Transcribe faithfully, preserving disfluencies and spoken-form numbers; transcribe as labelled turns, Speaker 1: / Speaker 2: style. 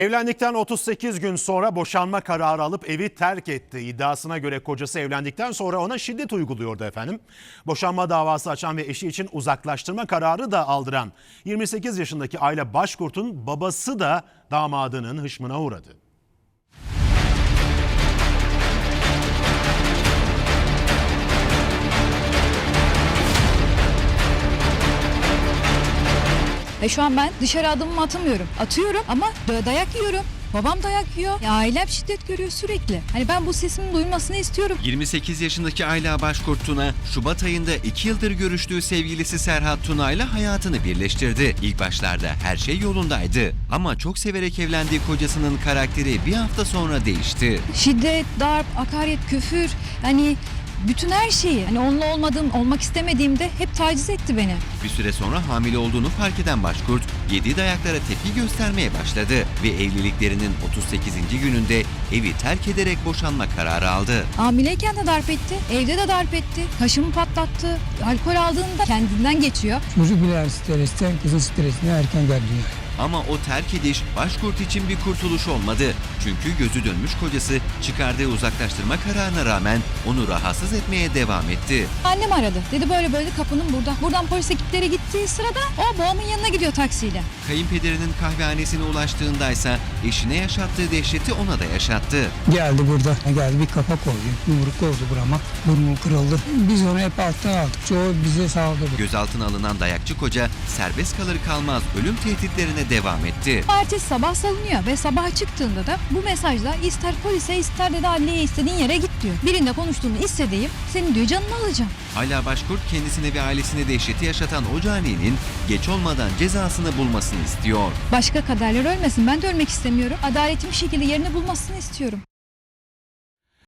Speaker 1: Evlendikten otuz sekiz gün sonra boşanma kararı alıp evi terk etti. İddiasına göre kocası evlendikten sonra ona şiddet uyguluyordu efendim. Boşanma davası açan ve eşi için uzaklaştırma kararı da aldıran yirmi sekiz yaşındaki Ayla Başkurt'un babası da damadının hışmına uğradı.
Speaker 2: Ve şu an ben dışarı adımımı atamıyorum. Atıyorum ama dayak yiyorum. Babam dayak yiyor. Ya ailem şiddet görüyor sürekli. Hani ben bu sesimin duyulmasını istiyorum.
Speaker 3: yirmi sekiz yaşındaki Ayla Başkurt Tuna, Şubat ayında iki yıldır görüştüğü sevgilisi Serhat Tuna ile hayatını birleştirdi. İlk başlarda her şey yolundaydı. Ama çok severek evlendiği kocasının karakteri bir hafta sonra değişti.
Speaker 2: Şiddet, darp, hakaret, küfür. Hani bütün her şeyi. Hani onunla olmadığım, olmak istemediğimde hep taciz etti beni.
Speaker 3: Bir süre sonra hamile olduğunu fark eden Başkurt, yediği dayaklara tepki göstermeye başladı ve evliliklerinin otuz sekizinci gününde evi terk ederek boşanma kararı aldı.
Speaker 2: Hamileyken de darp etti, evde de darp etti, kaşımı patlattı. Alkol aldığında kendinden geçiyor.
Speaker 4: Çocuk bile stresten, kızın stresine erken geldi yani.
Speaker 3: Ama o terk ediş Başkurt için bir kurtuluş olmadı. Çünkü gözü dönmüş kocası çıkardığı uzaklaştırma kararına rağmen onu rahatsız etmeye devam etti.
Speaker 2: Annem aradı. Dedi böyle böyle kapının burada. Buradan polis ekipleri gittiği sırada o babamın yanına gidiyor taksiyle.
Speaker 3: Kayınpederinin kahvehanesine ulaştığındaysa eşine yaşattığı dehşeti ona da yaşattı.
Speaker 4: Geldi burada, geldi bir kapak koydu, yumruk koydu burama, burnu kırıldı. Biz onu hep alttan aldık, çoğu bize saldırdı.
Speaker 3: Gözaltına alınan dayakçı koca serbest kalır kalmaz ölüm tehditlerine devam etti.
Speaker 2: Ertesi sabah salınıyor ve sabah çıktığında da bu mesajla ister polise ister de adliyeye istediğin yere git diyor. Birinde konuştuğunu istediğim senin diyor canını alacağım.
Speaker 3: Ayla Başkurt kendisine ve ailesine dehşeti yaşatan o caninin geç olmadan cezasını bulmasını istiyor.
Speaker 2: Başka kaderler ölmesin, ben de ölmek istemiyorum. Adaletin bir şekilde yerini bulmasını istiyorum.